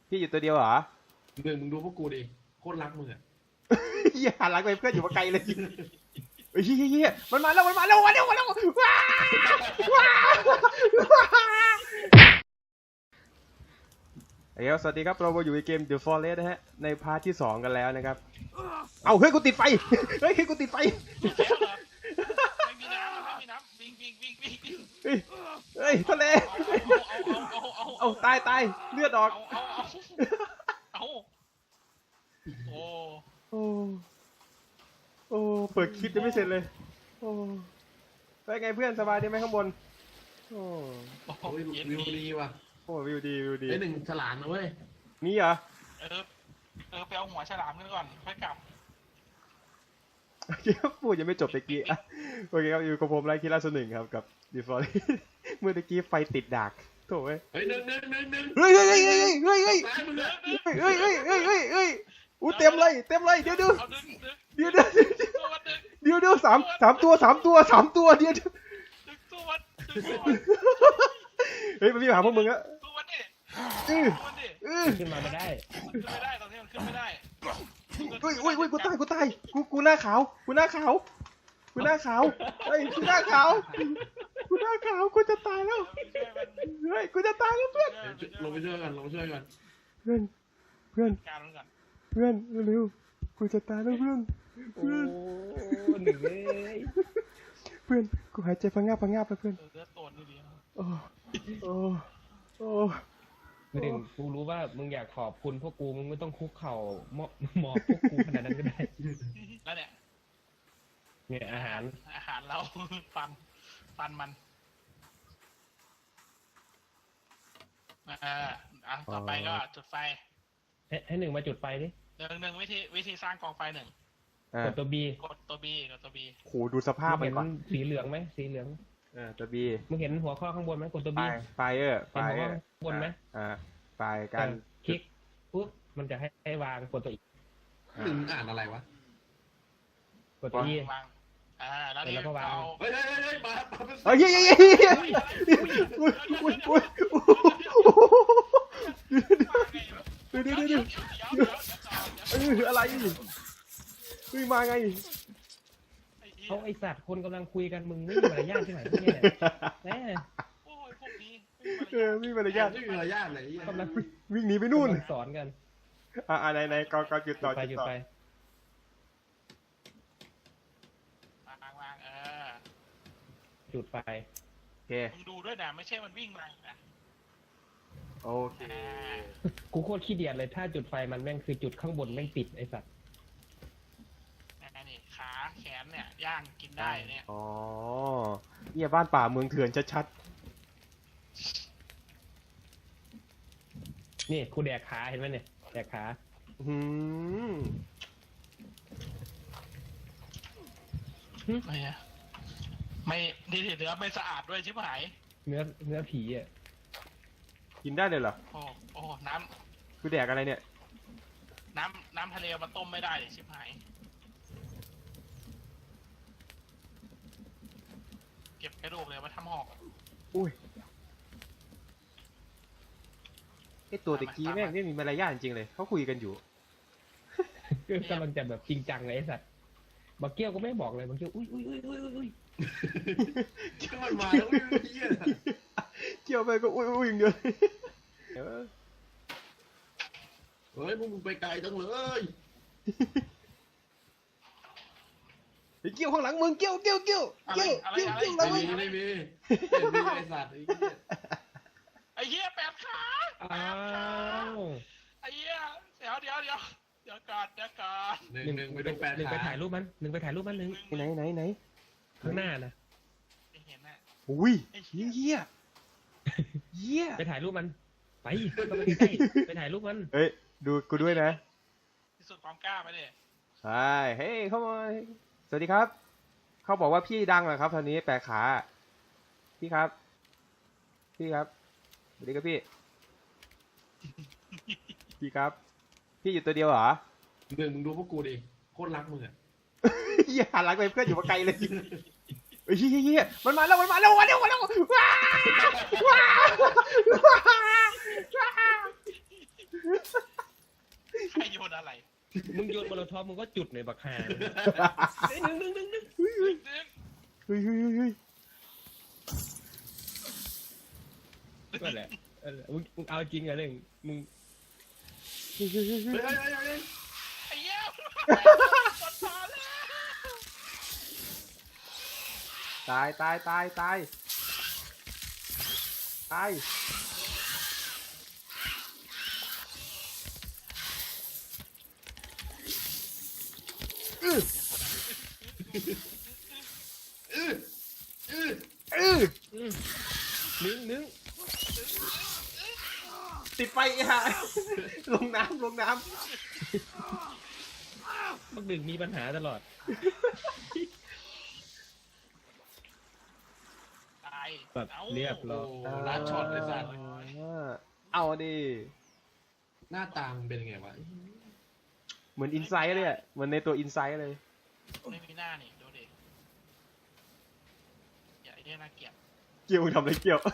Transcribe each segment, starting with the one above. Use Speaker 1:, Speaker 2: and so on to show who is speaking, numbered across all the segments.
Speaker 1: พี่อยู่ตัวเดียวเหรอ
Speaker 2: มึงดูพวกกูดิโคตรรักมึงอ่ะ
Speaker 1: อย่าหันหลังไปเพื่อนอยู่มาไกลเลยเฮ้ยเฮียมันมาแล้วว้าวว้าวสวัสดีครับเราอยู่ในเกม The Forest นะฮะในพาร์ทที่2กันแล้วนะครับเอาเฮ้ยกูติดไฟเฮ้ยกูติดไฟ
Speaker 3: ไม่มีน้ำวิ่ง
Speaker 1: เฮ้ยทะเลเอาตายเลือดออก
Speaker 3: เอา
Speaker 1: โอ้เปิดคลิปยังไม่เสร็จเลยโอ้เป็นไงเพื่อนสบายดีไหมข้างบนโอ้
Speaker 2: วิวดีว่ะ
Speaker 1: โอ้วิวดี
Speaker 2: ไอ้หนึ่งฉลามนะเว้ย
Speaker 1: นี่เหรอ
Speaker 3: ไปเอาหัวฉลามกันก่อนค่อยกลับ
Speaker 1: พูดยังไม่จบตะกี้โอเคครับอยู่กับผมไลคิราสหนึ่งครับกับดีฟอร์เมื่อตะกี้ไฟติดดักโถ่เว้ย
Speaker 2: หนึ่ง
Speaker 1: เฮ้ยอู้เต็มเลยเดี๋ยวสามตัวเดี๋ยวเฮ้ยมันมีหาพวกมึงอะ
Speaker 4: ขึ้นมาไม่ได้
Speaker 3: ตอนนี้มันขึ้นไม่ได้
Speaker 1: กูตายกูหน้าขาวเฮ้ยกูหน้าขาวกูจะตายแล้วเฮ้ยกูจะตายแล้วเพื่อน
Speaker 2: ลงไปช่วยกัน
Speaker 1: เพื่อนเร็วกูจะตายแล้วเพื่อน
Speaker 4: หนึ่งเลย
Speaker 1: เพื่อนกูหายใจพังงาบไปเพื่อน
Speaker 3: เลือดตัวนี่ดี
Speaker 1: โอ้
Speaker 4: หนึ่งกูรู้ว่ามึงอยากขอบคุณพวกกูมึงไม่ต้องคุกเข่าหมอบพวกกูขนาดนั้นก็ได้
Speaker 3: แล้ว
Speaker 4: เนี่ยอาหาร
Speaker 3: เราฟันมันต่อไปก็จุดไฟ
Speaker 4: ให้หนึ่งมาจุดไฟดิ
Speaker 3: หนึ่งวิธีสร้างกองไฟหนึ่ง
Speaker 4: กดตัวบี
Speaker 1: โหดูสภาพมันก่อน
Speaker 4: สีเหลืองไหมสีเหลือง
Speaker 1: ตัวบี
Speaker 4: มึงเห็นหัวข้อข้างบนไหมกดตัวบี
Speaker 1: ไฟเห็น
Speaker 4: หัวข้างบนไหม
Speaker 1: ไฟกัน
Speaker 4: คลิกปุ๊บมันจะให้วางกดตัวอีก
Speaker 2: หนึ่งอ่านอะไรวะ
Speaker 4: กดตัวอี
Speaker 3: วางแล้วก็วาง
Speaker 2: เฮ้ยมา
Speaker 1: เฮ้ยอะไรเฮ้ยมาไง
Speaker 4: เขาไอสัตว์คนกำลังคุยกันมึงไม่มีมารยาทที่ไหนเนี่ยแน่
Speaker 3: โอ้ยพวกนี้
Speaker 1: ไม่มีมารยาท
Speaker 2: เลย
Speaker 1: กำลังวิ่งหนีไปนู่น
Speaker 4: สอนกัน
Speaker 1: ไหนก่อนจุดต่อ
Speaker 3: วาง
Speaker 4: จุดไฟ
Speaker 1: โอเค
Speaker 3: มึงดูด้วยนะไม่ใช่มันวิ่งมานะ
Speaker 1: โอเค
Speaker 4: กูโคตรขี้เดียดเลยถ้าจุดไฟมันแม่งคือจุดข้างบนแม่งติดไอสัตว์
Speaker 3: นี่ขาแขนเนี่ยย่างกินได้เนี่ย
Speaker 1: อ๋อเนี่ยบ้านป่าเมืองเถื่อนชัด
Speaker 4: ๆนี่กูแดกขาเห็นไหมเนี่ยแดกขา
Speaker 3: ไม่ดีเนื้อไม่สะอาดด้วยชิบหาย
Speaker 4: เนื้อผีอ่ะ
Speaker 1: กินได้เลยเหรอ
Speaker 3: โอ้น้ำ
Speaker 1: คือแดกอะไรเนี่ย
Speaker 3: น้ำทะเลมาต้มไม่ได้ชิบหายเก็บกระดูกเลยมาทำหอก
Speaker 1: อุ้ยไอตัวตะกี้แม่งไม่มีมารยาทจริงเลยเขาคุยกันอยู่
Speaker 4: กำลังจะแบบจริงจังเลยไอสัตว์บักเกี้ยวก็ไม่บอกเลยบักเกี้ยวอุ้ย
Speaker 2: เกี่ยวมันมาแล้ว
Speaker 1: เกี่ยวไปก็อุ้ยอย่างเดียว
Speaker 2: เฮ้ยมึงไปไกลจังเลย
Speaker 1: เกี่ยวข้างหลังมึงเกี่ยวหลัง
Speaker 2: ไม่มีไอสัตว์
Speaker 3: ไอ้เหี้ย8 ขาไอ้เหี้ยเดี๋ยวก่อน
Speaker 2: หนึ่งไปดู
Speaker 4: หนึ่งไปถ่ายรูปมันหนึ่ง
Speaker 1: ไหน
Speaker 4: ข้างหน้านะ
Speaker 3: ไม่เห็นน่ะ
Speaker 1: อุ้ยเหี้ย
Speaker 4: ไปถ่ายรูปมันไปใกล้ไปถ่ายรูปมัน
Speaker 1: เฮ้ยดูกูด้วยนะ
Speaker 3: ที่สุดความกล้าไปดิ
Speaker 1: ใช่เฮ้ยเข้ามาสวัสดีครับเขาบอกว่าพี่ดังเหรอครับตอนนี้8 ขาพี่ครับสวัสดีครับพี่ครับพี่อยู่ตัวเดียวเหรอ
Speaker 2: หนึ่งมึงดูพวกกูดิโคตรรักมึงอ่ะ
Speaker 1: อย่าหันหลังไปเพื่อนอยู่มาไกลเลยเฮ้ยมันมาแล้วว้าว
Speaker 3: ใครโยนอะไร
Speaker 4: มึงโยนโมโลทอฟมึงก็จุดในบักฮาเฮ้ยนึง
Speaker 3: ดึง
Speaker 1: เฮ้ยเฮ้ยเฮ้ย
Speaker 4: ก็แหละมึงเอาจริงอะเรื่องมึง
Speaker 1: เฮ้ยเฮ้ยเฮ้ย
Speaker 2: เฮ้ยเฮ้ยเฮ้ยเฮ้ย
Speaker 3: ไอ้เหี้ยกดพอแล้ว
Speaker 1: ตายตายตายตายตายอื้อ
Speaker 2: อื้ออื้อ
Speaker 1: อื้อ
Speaker 4: นึง
Speaker 1: ติดไฟอีห่าลงน้ำลงน้
Speaker 4: บักหนึ่งมีปัญหาตลอด
Speaker 3: ตาย
Speaker 4: แบบ
Speaker 3: อา
Speaker 4: เรียบร้อย
Speaker 2: โอ้
Speaker 1: ำ
Speaker 2: ลัดช็อตเลยสัตว์
Speaker 1: เอาดิ
Speaker 2: หน้าตามันเป็นยังไงวะ
Speaker 1: เหมือนอินไซด์เลยอ่ะเหมือนในตัวอินไซด์เลย
Speaker 3: ไม่มีหน้านี่ดูดิอย่าไอ้เนี่ยน่าเกลียด
Speaker 1: เกี่ยวมึงทำอะไรเกี่ยว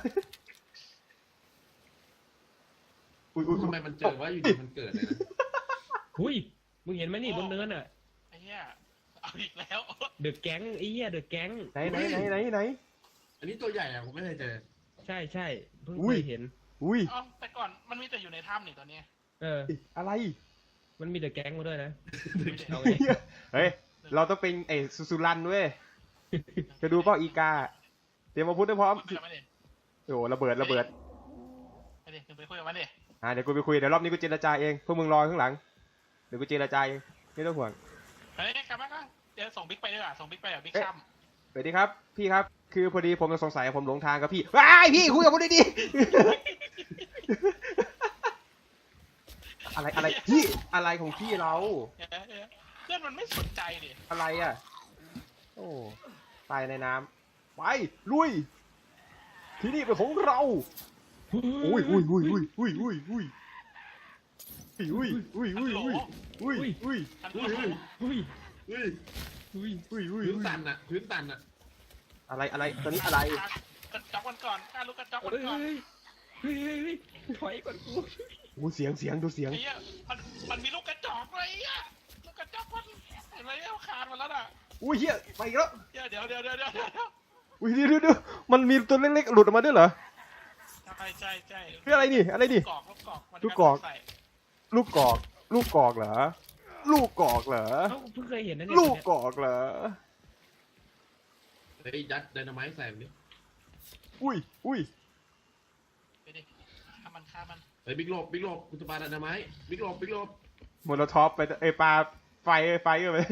Speaker 1: อุ้ยอุ้ย
Speaker 2: ทำไมมันเจอว่าอยู่ดีมันเกิดเลยนะ
Speaker 4: หุยมึงเห็นไหมนี่บนเนินอ่ะ
Speaker 3: ไอ้เหี้ยเอาอีกแล้ว
Speaker 4: เดอะแก๊งไอ้เหี้ยเดอะแก๊ง
Speaker 1: ไหนไหนไหนไหนไหน
Speaker 2: อันนี้ตัวใหญ่อะผมไม่เคยเจอ
Speaker 4: ใช่เพิ่ง
Speaker 1: อุ้
Speaker 4: เค
Speaker 1: ย
Speaker 4: ยเห็น
Speaker 1: อุ้ย
Speaker 3: เอ้าแต่ก่อนมันมีแต่อยู่ในถ้ำนี่ตอนเนี้ย
Speaker 1: อะไร
Speaker 4: มันมีเดอะแก๊งมาด้วยนะ
Speaker 3: ไม่ได้
Speaker 4: เอาไง
Speaker 1: เฮ้ยเราต้องเป็นไอ้สุรันเว้ยจะดูเปล่าอีกาเตรียมอาวุธให้พร้อม
Speaker 3: คุยกับมันดิ
Speaker 1: โอ้ระเบิดระเบิด
Speaker 3: ไปดิไปคุยกับมันดิ
Speaker 1: เดี๋ยวกูไปคุยเดี๋ยวรอบนี้กูเจรจาเองพวกมึงรอข้างหลังเดี๋ยวกูเจรจาเองไม่ต้องห่วง
Speaker 3: เฮ้ยกลับมาก่อนเดี๋ยวส่งบิ๊กไปด้วยอ่ะส่งบิ๊กไปอ่ะบิ๊กช่ำ
Speaker 1: สวัสดีครับพี่ครับคือพอดีผมสงสัยผมหลงทางกับพี่ว้ายพี่คุยกับผมดีๆ อะไรอะไรพี่อะไรของพี่เรา
Speaker 3: เพื่อนมันไม่สนใจดิ
Speaker 1: อะไรอ่ะโอ้ตายในน้ำไปลุยที่นี่เป็นของเราอุ้ยอุ้ยอุ้ยอุ้ยอุ้ยอุ้ยอุ้ยอุ้ยอุ้ยอุ้ยอุ้ยอุ้ยอุ้ย
Speaker 3: ทัน
Speaker 2: อุ้ย
Speaker 3: ที
Speaker 2: อุ้ย
Speaker 4: อุ้ย
Speaker 2: อุ้ย
Speaker 4: อุ้ย
Speaker 1: อุ้ยอุ้ย
Speaker 2: พื้นตันอะพื้นตันอะ
Speaker 1: อะไรอะไรตอนนี้อะไร
Speaker 3: กระจอกมันก่อนกล้าลุกกระจอกมัน
Speaker 4: เฮ้ย
Speaker 3: ก่อน
Speaker 4: เฮ้ยถอยก่อนกู
Speaker 1: โอ้เสียงเสียงดูเสียง
Speaker 3: ไอ้เหี้ยมันมีลูกกระจอกเลยอ่ะลูกกระจอกมันเห็นไหมเอาคานมาแล้วน่ะ
Speaker 1: อุ้ยเฮียไปอีกแล้ว
Speaker 3: เดี๋ยว
Speaker 1: อุ้ยเดี๋ยวมันมีตัวเล็กๆหลุดออกมาด้วยเหรอ
Speaker 3: ใช่
Speaker 1: คืออะไรนี่อะไรนี่
Speaker 3: ลูกกอกมัน
Speaker 1: ลูกกอก ลูกกอกลูกกอกเหรอลูกกอกเหรอ
Speaker 4: เอ้าเพิ่งเคยเห็นนะเนี่ย
Speaker 1: ลูกกอกเหรอ
Speaker 2: เฮ้ยยัดไดนาไมต์ใส่มันดิ
Speaker 1: อุ้ยอุ้ย
Speaker 3: ไปดิฆ่ามัน
Speaker 2: เฮ้ยบิ๊กโลบบิ๊กโลบคุณจะปาไดนาไมต์บิ๊กโลบบิ๊กโลบ
Speaker 1: โมโนท็อปไปไอปลาไฟกันไป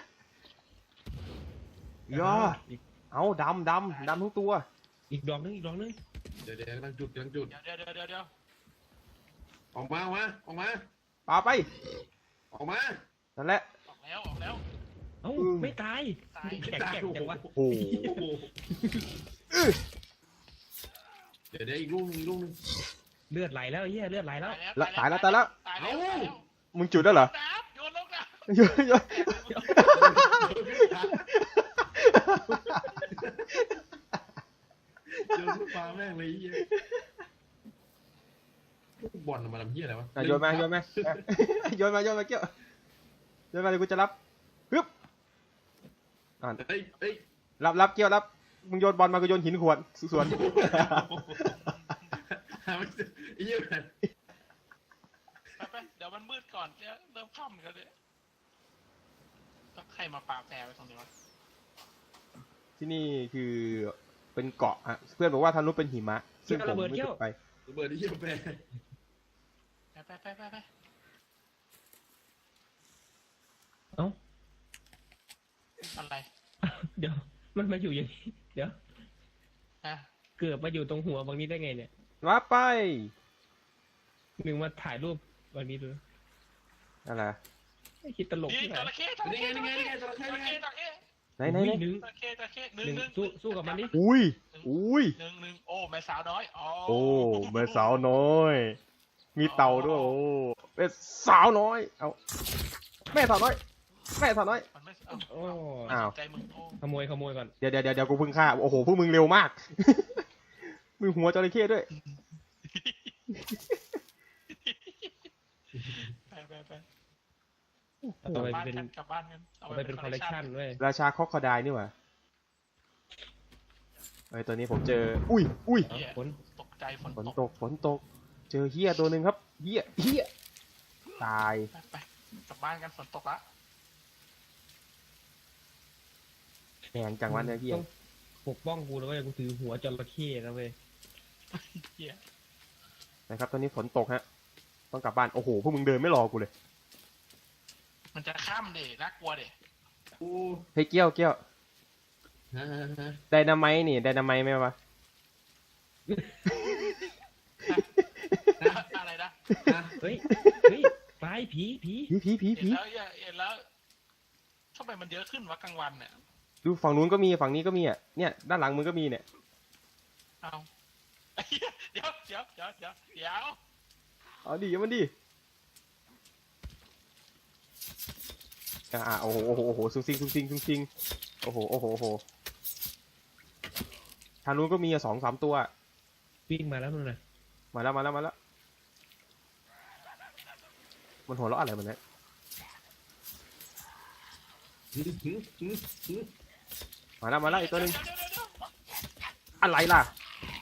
Speaker 1: ย่อเอาดำทั้งตัว
Speaker 4: อีกดอกนึง
Speaker 2: เดี๋ยวกำลังจุด
Speaker 3: เดี๋ยว
Speaker 2: ออกมา
Speaker 1: ปลาไป
Speaker 2: ออกมา
Speaker 1: นั่นแหละ
Speaker 3: ออกแล้ว
Speaker 4: เอ้าไม่ตาย
Speaker 3: ตาย
Speaker 4: แข็งจังวะ
Speaker 1: โอ้โห
Speaker 2: เดี๋ยวอีกลูกนึง
Speaker 4: เลือดไหลแล้วไอ้เหี้ยเลือดไหลแล้ว
Speaker 3: ตายแล้ว
Speaker 1: มึงจุดแล้วเหรอ
Speaker 3: น้ำโยนลงน้
Speaker 1: โยนโยน
Speaker 2: เจอลูกปลาแม่งเลยเหี้ยบอลมาทำเหี้ยอะไรวะ
Speaker 1: โยนมาโยนมาเกี่ยวโยนมาเดี๋ยวกูจะรับฮึบ
Speaker 2: เฮ้ย
Speaker 1: รับเกี่ยวรับมึงโยนบอลมากูโยนหินขวดสวน
Speaker 2: หาไม่เจอไอ้เหี้ยแบบ
Speaker 3: ำไปเดี๋ยวมันมืดก่อนเดี๋ยวเริ่มค่ำกันเลยต้องใครมาปาแปรไว้ตรงนี้วะ
Speaker 1: ที่นี่คือเป็นเกาะอะเพื่อนบอกว่าทางนู้นเป็นหิมะซึ่งผมไม่เคยไป
Speaker 2: ระเบิดไอ้เหี้ยแปร
Speaker 3: ไป
Speaker 4: เอ้า
Speaker 3: อะไร
Speaker 4: เดี๋ยวมันมาอยู่อย่างนี้เดี๋ยว
Speaker 3: ฮะ
Speaker 4: เกือบมาอยู่ตรงหัวบางนี้ได้ไงเนี่ย
Speaker 1: มาไป
Speaker 4: หนึ่งมาถ่ายรูปบางนี้ดู
Speaker 1: อะไร
Speaker 4: ไม่คิดตลก
Speaker 3: นี่
Speaker 4: ที่ไหน
Speaker 3: จระเข้จระ
Speaker 2: นี่
Speaker 3: เข้
Speaker 2: ไงจระเข้
Speaker 3: จระ
Speaker 2: นี่ไง
Speaker 3: เข้จระเข้
Speaker 1: ไหน
Speaker 4: อุ้ยห
Speaker 1: ห
Speaker 4: นึ่ง
Speaker 3: จระเข้ห
Speaker 4: หนึ่ง
Speaker 3: นึ่ง
Speaker 4: สู้กับมันดิ
Speaker 1: อุ้ย
Speaker 3: หนึ่งโอ้แม่สาวน้อยอ๋อ
Speaker 1: โอ้แม่สาวน้อย มีเต่าด้วยโอ้เป็นสาวน้อยเอาแม่สาวน้อย
Speaker 3: มันไม่
Speaker 4: โอ้
Speaker 1: อ้าว
Speaker 3: ใจมึงโอ้
Speaker 4: ขโมยก่อน
Speaker 1: เดี๋ยวกูเพิ่งฆ่าโอ้โหพวกมึงเร็วมาก มึงหัวจระเข้ด้วย
Speaker 3: ไป
Speaker 4: เอาไป
Speaker 3: บ้าน
Speaker 4: เป็น
Speaker 3: กันกลับบ้านกัน
Speaker 4: เอาไปเป็นคอลเลกชันเว้ย
Speaker 1: ราชาคอกคอไดนี่หว่าไอ้ตัวนี้ผมเจอ อุ้ย
Speaker 4: เอาผล
Speaker 3: ตกใจฝน
Speaker 1: ฝน
Speaker 3: ต
Speaker 1: ต
Speaker 3: ก
Speaker 1: ก ฝนตก เจอเฮียตัวหนึ่งครับ เฮียตาย
Speaker 3: ไปกลับบ้านกันฝนตกละ
Speaker 1: แหงจังวันเนี่ยเฮีย
Speaker 4: ต้องปกป้องกูนะเว้ยกูถือหัวจระเข้นะเว้ย
Speaker 3: เหี้ย
Speaker 1: นะครับ ตอนนี้ฝนตกฮะ ต้องกลับบ้าน โอ้โห พวกมึงเดินไม่รอกูเลย
Speaker 3: มันจะข้ามเด็น่ากลัวเด็
Speaker 2: กู
Speaker 1: เฮ้ยเกี้ยว
Speaker 2: ฮะ
Speaker 1: ไดนาไมต์นี่ ไดนาไมต์ไหมวะ
Speaker 3: อะไรนะ
Speaker 2: ฮะ
Speaker 4: เฮ้ยไปผี
Speaker 1: ผี
Speaker 3: เห็นแล้วเห็นแล้วทำไมมันเยอะขึ้นวะกลางวันเนี่ย
Speaker 1: ดูฝั่งนู้นก็มี ฝั่งนี้ก็มีอ่ะ เนี่ย ด้านหลังมึงก็มีเนี่ย
Speaker 3: เอาเดี๋ยว
Speaker 1: เอาดิมันดิโอ้โหซุงซิงโอ้โหทางนู้นก็มีอ่ะ2-3 ตัว
Speaker 4: วิ่งมาแล้วมึงนะ
Speaker 1: มาแล้วมันหัวเราะอะไรมันเนี่ยมาแล้วอีกตัวหนึงอะไรล่ะ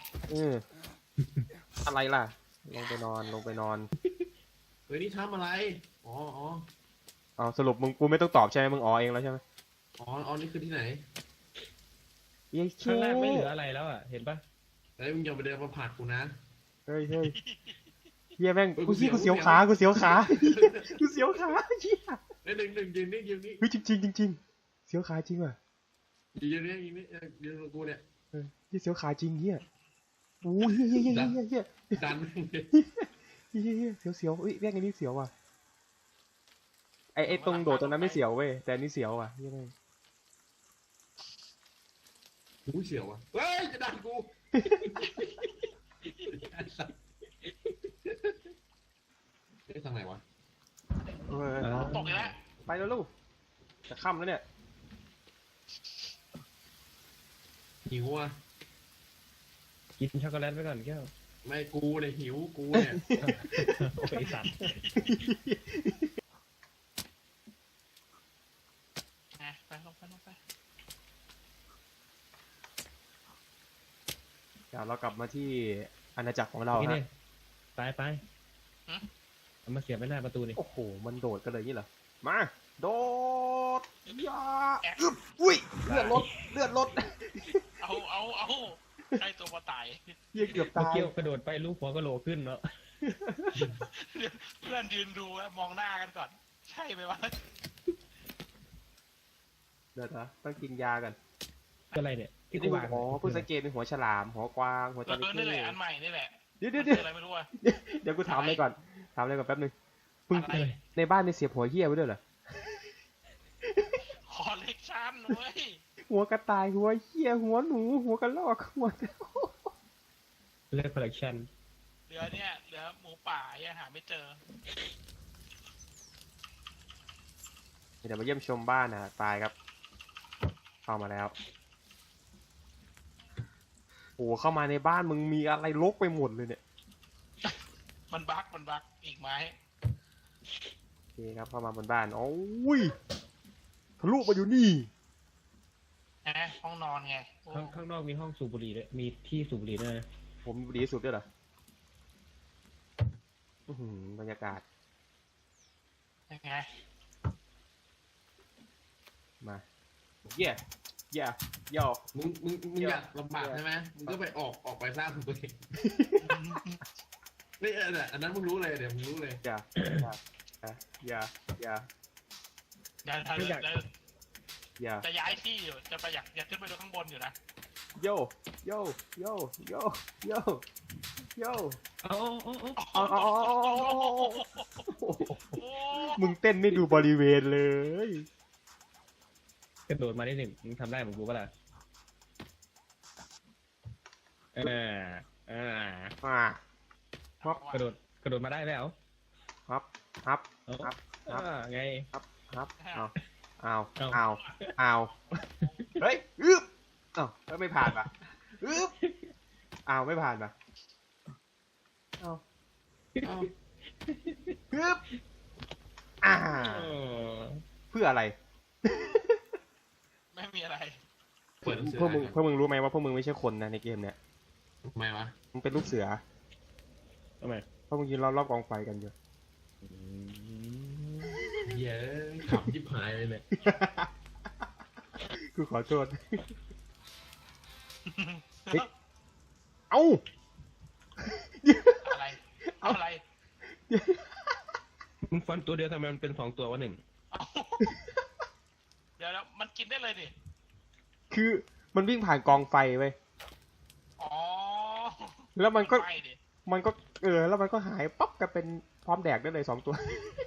Speaker 1: อะไรล่ะลงไปนอน
Speaker 2: เฮ้ยนี่ทำอะไรอ๋อ
Speaker 1: เอาสรุปกูไม่ต้องตอบใช่ไหมมึงอ๋อเองแล้วใช่ไหม
Speaker 2: นี่คือที่ไหน
Speaker 1: เย้
Speaker 4: ข้างล่างไม่เหลืออะไรแล้วอ่ะเห็นปะ
Speaker 2: เฮ้ยมึงอย่าไปเดินมาผลักกูนะ
Speaker 1: เฮ้ยเฮียแม่งกูเสียวขาเฮีย
Speaker 2: เฮ้ยหนึ่งยืนนี่
Speaker 1: เฮ้ยจริงเสียวขาจริงว่ะ
Speaker 2: ยืนกับกูเนี่ย
Speaker 1: เฮียเสียวขาจริงเฮียโอ้ยเฮีย
Speaker 2: ดัน
Speaker 1: เสียวเฮ้ยแม่งอันนี้เสียวว่ะไอตรงโดดตรงนั้นไม่เสียวเว้ยแต่อันนี้เสียวว่ะเฮียแม่ง
Speaker 2: กูเสียวอ่ะเฮ้ยจะดันกูเฮ้ยทางไหนวะ
Speaker 3: ตกอีกแล้ว
Speaker 1: ไปแล้วลูกจะค่ำแล้วเนี่ย
Speaker 2: หิวอ่ะ
Speaker 4: กินช็อกโกแลตไปก่อนแก้ว
Speaker 2: ไม่กูเนี่ยหิวกูเนี่ย
Speaker 4: โอ้ยไอ้สัตว์
Speaker 3: ไปลงไป
Speaker 1: เดี๋ยวเรากลับมาที่อาณาจักรของเรา
Speaker 4: นี่
Speaker 1: ฮะ
Speaker 4: เนี่ยไปเอามาเสียบไว้หน้าประตูนี่
Speaker 1: โอ้โหมันโดดกันเลยนี่เหรอมาโดดยาอุ้ยเลือดลด
Speaker 3: เอาไอตัวมาตาย
Speaker 1: เฮียเกือบ
Speaker 4: เมื่อ
Speaker 1: ตาย
Speaker 4: กี้กระโดดไปลูกหัวกระโหลกขึ้นเนาะ
Speaker 3: เพื่อนยืนดูมองหน้ากันก่อน ใช่ไหมวะ
Speaker 1: เดี๋ยวนะต้องกินยากัน
Speaker 4: อะไรเนี่ยที่กูวาง
Speaker 1: อ๋อเพิ่งสังเกตเป็นหัวฉลามหัวกวางหัวจระเข้
Speaker 3: นี่แหละอันใหม่นี่แหละ
Speaker 1: เดี๋ยว
Speaker 3: อะไรไม่รู้อะ
Speaker 1: เดี๋ยวกูถามอะไรก่อนแป๊บนึงพึ่ง
Speaker 3: อะไร
Speaker 1: ในบ้านในเสียบหัวเหี้ยไว้ด้วยเหรอ
Speaker 3: คอลเลกชันเว้ย
Speaker 1: หัวกระต่ายหัวเหี้ยหัวหนูหัวกระรอกหัว
Speaker 4: เลือกคอลเลกชัน
Speaker 3: เหลือหมูป่ายังหาไม่เจอ
Speaker 1: เดี๋ยวมาเยี่ยมชมบ้านนะตายครับเข้ามาแล้วโอ้เข้ามาในบ้านมึงมีอะไรรกไปหมดเลยเนี่ย
Speaker 3: มันบักอีกไหม
Speaker 1: โอเคครับเข้ามาบนบ้านโอ้ยทะลุมาอยู่นี่
Speaker 3: ห้องนอนไง
Speaker 4: ข้างนอกมีห้องสูบบุหรี่ด้วยมีที่สูบบุหรี่ด้วยนะ
Speaker 1: ผมดีที่สุดด้วยเหรออื้อหือบรรยากาศ
Speaker 3: ยังไง
Speaker 1: มาเย่ย่
Speaker 2: มึงอยากลำบากใช่ไหมมึงก็ไปออกไปสร้างของตัวเองนี่อันนั้นมึงรู้เลยเดี๋ยวมึงรู้เลย
Speaker 1: อย่า
Speaker 3: อย่า
Speaker 1: อย่า
Speaker 3: จะย้ายที่อยู่จะไปอยากขึ้นไปดูข้างบนอยู่นะ
Speaker 1: โยโยโยโยโยโย
Speaker 4: เอา
Speaker 1: มึงเต้นไม่ดูบริเวณเลย
Speaker 4: กระโดดมาได้หนึ่งมึงทำได้เหมือนกูปะล่ะกระโดดมาได้ไหมเอา
Speaker 1: ฮับ
Speaker 4: ไง
Speaker 1: เอาเฮ้ยอึ๊บไม่ผ่านป่ะอึ๊บไม่ผ่านป่ะอึ๊บ
Speaker 4: เออ
Speaker 1: เพื่ออะไร
Speaker 3: ไม่มีอะไร
Speaker 2: เปิดหนังสือ
Speaker 1: พวกมึงรู้ไหมว่าพวกมึงไม่ใช่คนนะในเกมเนี้ย
Speaker 2: ทำไมวะ
Speaker 1: มึงเป็นลูกเสือ
Speaker 4: ทำไม
Speaker 1: เพราะมึงยืนรอบๆกองไฟกันอยู่
Speaker 2: เย้ยขำยิบหายเลยเนี่ย
Speaker 1: กูขอโทษ เฮ้ย เอ้า
Speaker 3: อะไรอะไร
Speaker 4: มึงฟันตัวเดียวทำไมมันเป็น2 ตัววะหนึ่ง
Speaker 3: เอาเดี๋ยวมันกินได้เลยดิ
Speaker 1: คือมันวิ่งผ่านกองไฟเว้ย
Speaker 3: อ๋อ
Speaker 1: แล้วมันก็
Speaker 3: ไม่ดิ
Speaker 1: แล้วมันก็หายป๊อปกันเป็นพร้อมแดกได้เลย2 ตัว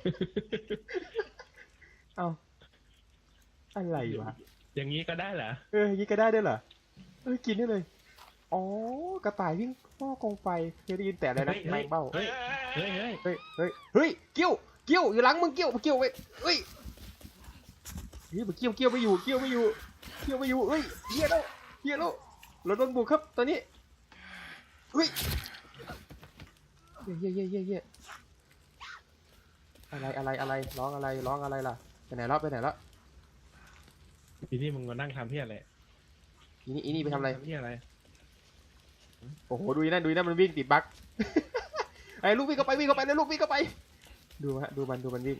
Speaker 1: เอ้า อะไรวะ
Speaker 4: อย่างนี้ก็ได้เหรอ
Speaker 1: ยิงก็ได้ด้วยเหรอ กินได้เลย อ๋อ กระต่ายวิ่งพ่อกองไฟเคยได้ยินแต่อะไรนะ
Speaker 4: เฮ้ย
Speaker 1: แมงเบ้า
Speaker 4: เฮ้ย เฮ้ย
Speaker 1: เฮ้ย เกี้ยวอยู่หลังมึงเกี้ยวไปเฮ้ยมันเกี้ยวไม่อยู่เกี้ยวไม่อยู่เฮ้ยเหี้ยแล้วเราโดนบุกครับตอนนี้เฮ้ยเย่อะไรร้องอะไรล่ะไปไหนแล้ว
Speaker 4: ทีนี้มึงมานั่งทำที่อะไร
Speaker 1: อีนี่ไปทำอะไร
Speaker 4: ที่อะไร
Speaker 1: โอ้โหดูนั่นมันวิ่งติดบั๊ก ไอ้ลูกวิ่งเข้าไปเลยลูกวิ่งเข้าไปดูมันวิ่ง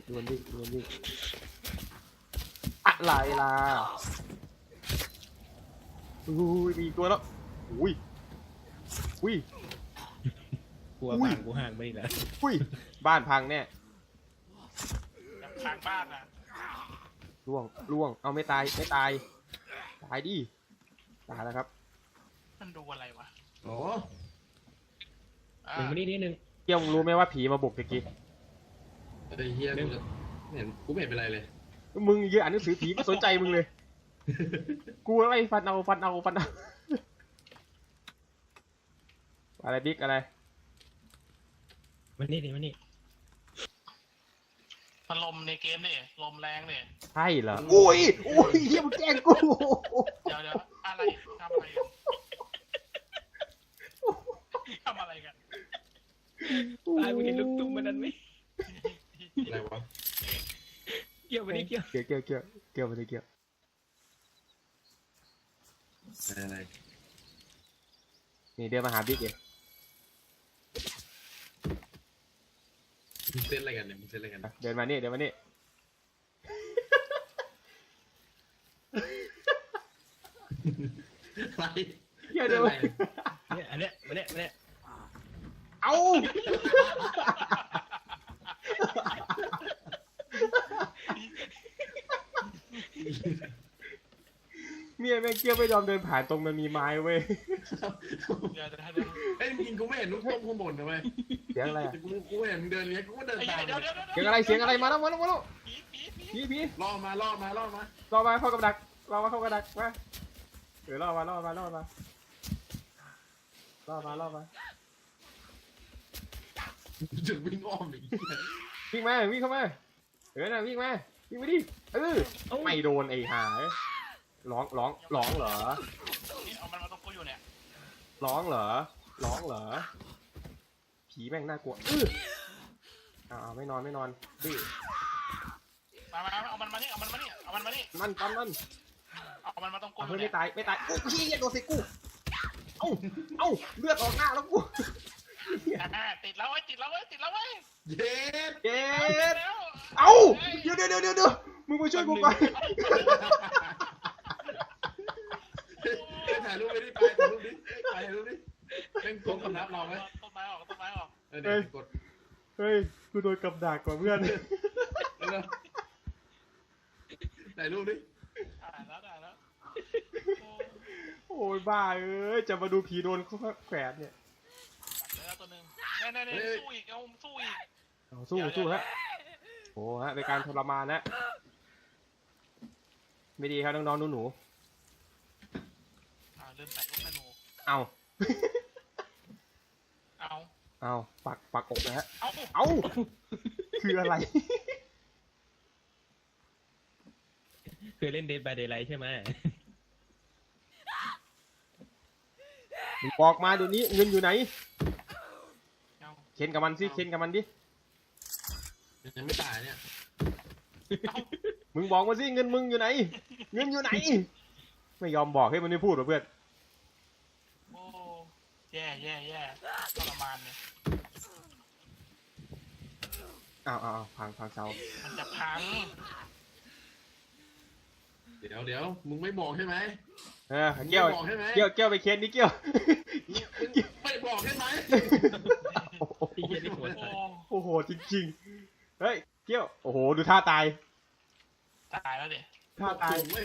Speaker 1: อะไรล่ะมีตัวแล้วอุ้ย
Speaker 4: กลัว
Speaker 1: อุ้ย
Speaker 4: บ้านกูห่างไปอีกแล้ว
Speaker 1: บ้านพังแน่
Speaker 3: อย่างทางบ้านนะ
Speaker 1: ล่วงเอาไม่ตายตายดิตายแล้วครับ
Speaker 3: มันดูอะไรวะ
Speaker 2: โอ้
Speaker 3: อ่า
Speaker 4: หนึ่งมานี่นิดนึง
Speaker 1: เกี่ยวมึงรู้ไหมว่าผีมาบุกตะกี้
Speaker 2: ไอ้เฮียกูจะไม่เห็นกูไม่เห็นเป็นไรเลย
Speaker 1: มึงเยอะอ่านหนังสือผีไม่สนใจมึงเลย กูไล่ฟันเอาอะไรบิ๊กอะไร
Speaker 4: มานี่ดิมานี่
Speaker 3: มันลมในเกมนี่ลมแรงนี่
Speaker 1: ใช่เหรออุ้ยเฮียมึงแกล้งกู
Speaker 3: เดี๋ยวอะไรทำอะไรกันทำอะไรกัน
Speaker 4: ตายมึงเห็นลูกตุ้มมันนั้นไหม
Speaker 2: อะไรวะ
Speaker 4: เกี่ยวไปนี่เกี่ยว
Speaker 1: เกี่ยวไม่ได้เกี่ยว
Speaker 2: อะไร
Speaker 1: นี่เดินมาหาบิ๊กเอง
Speaker 2: มึงเต้นอะไรกันเนี่ยมึงเต้นอะไรกัน
Speaker 1: เดินมานี่
Speaker 2: อะไร
Speaker 1: เกี่ยวเดินมา
Speaker 4: เนี่ยอันเนี้ยมาเนี่ย
Speaker 1: เอา เมียแม่งเกี่ยวไม่ยอมเดินผ่านตรงมันมีไม้เว้ย
Speaker 3: เดี๋ยว
Speaker 2: ไอ้ยจริงกูไม่เห็นลูกต้มข้างบนนะเว้ย
Speaker 1: เสียงอะไรอะ
Speaker 2: กูเห็นมึงเดินเนี้ยกูก็เดิน
Speaker 3: ไอ้
Speaker 2: ตาม
Speaker 3: เดี๋ยว
Speaker 1: เสียงอะไรมาแล้ว
Speaker 3: ผี
Speaker 1: ผี
Speaker 2: ล่อมา
Speaker 1: รอมาเข้ากับดักมาล่อมา
Speaker 2: จะวิ่งอ้อมอีก
Speaker 1: วิ่งเข้ามาวิ่งมาดิไม่โดนไอ้หาร้องเหรอ
Speaker 3: นี่เอามันมาตรงกูอยู่เนี่ย
Speaker 1: ร้องเหรอผีแม่งน่ากลัวไม่นอนดื้อ
Speaker 3: มาเอามันมานี่มัน
Speaker 1: มัน
Speaker 3: เอามันมาตรงกูอ
Speaker 1: เฮ้
Speaker 3: ยู่
Speaker 1: ย
Speaker 3: เนี่ย
Speaker 1: ไม่ตายโอ้ยเหี้ยโดนใส่กูเอ้าเลือดออกหน้าแล้วกู
Speaker 3: ติดแล้วเว้ย
Speaker 2: เย็ด
Speaker 1: เจ็ด
Speaker 3: แล้ว
Speaker 1: เอ้าเดี๋ยวมึงมาช่วยกูก่อน
Speaker 2: ถ่ายรูปไปดิถ่ายรูปดิเป็นกดคำนับเราไหม
Speaker 3: ต้นไม้ออก
Speaker 2: เดี๋ยวกด
Speaker 1: เฮ้ยกูโดนกับดักกว่าเพื่อน
Speaker 2: ถ่ายรูปดิ
Speaker 3: ได้แล้ว
Speaker 1: โอ้ยบ้าจะมาดูผีโดนเขาแขวนเนี่ย
Speaker 3: ตัดแล้วตัวนึงแน่สู้อีก
Speaker 1: สู้ฮะโอ้ฮะเป็นการทรมานนะไม่ดีครับน้องๆหนู
Speaker 3: ลืมใส่ลูกธนู
Speaker 1: ๆเอา
Speaker 3: เอา
Speaker 1: ปักอกนะฮะ
Speaker 3: เอา
Speaker 1: เอาคืออะไร
Speaker 4: เคยเล่น Dead by Daylight ใช่ไหม
Speaker 1: มึงบอกมาเดี๋ยวนี้เงินอยู่ไหน
Speaker 3: เอา
Speaker 1: เข็นกับมันสิเข็นกับมันดิ
Speaker 2: ยังไม่ตายเนี่ย
Speaker 1: มึงบอกมาสิเงินมึงอยู่ไหน เงินอยู่ไหน ไม่ยอมบอกให้มันไม่พูดหรอเพื่อน
Speaker 3: โอ้แย่แย่แย่ทรมานเนี่ย
Speaker 1: อ้าวพังเสา
Speaker 3: มันจะพัง
Speaker 2: เดี๋ยวมึงไม่บอกใช่ไหม
Speaker 1: เกี้ยว
Speaker 2: ไม่บอกใช่ไหม
Speaker 1: เกี้ยวไปเค้นนี่เกี้ยว
Speaker 2: ไม่บอกใช่ไหม
Speaker 4: ไอ้เหี้ยนี่โหด
Speaker 3: โอ้
Speaker 1: โอ้โหจริงๆ เฮ้ยเกี้ยว โอ้โหดูท่าตาย
Speaker 3: ตายแล้วเด็
Speaker 1: ท่าตาย
Speaker 2: ถูกเว้ย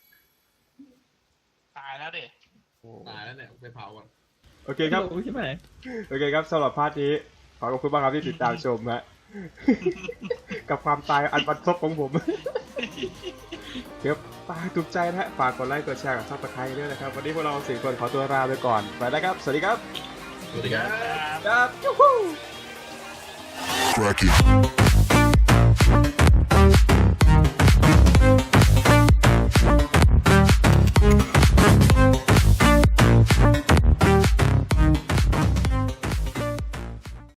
Speaker 3: ตายแล้วเด็
Speaker 2: ตายแล้วเนี่ยไปเผาก่อน
Speaker 1: โอเคครับ
Speaker 4: ใช่ไหม
Speaker 1: โอเคครับสำหรับพาร์ทนี้ขอขอบคุณมากครับที่ติดตามชมฮะ กับความตายอันบันทบของผม เดี๋ยวฝากถูกใจนะฮะฝากกดไลค์กดแชร์กับซับสไครต์ด้วยนะครับ วันนี้พวกเราสี่คนขอตัวลาไปก่อนไปแล้วครับ สวัสดีครับ
Speaker 2: สวัสดีครับ
Speaker 1: ครับยูฮู
Speaker 5: Crack it.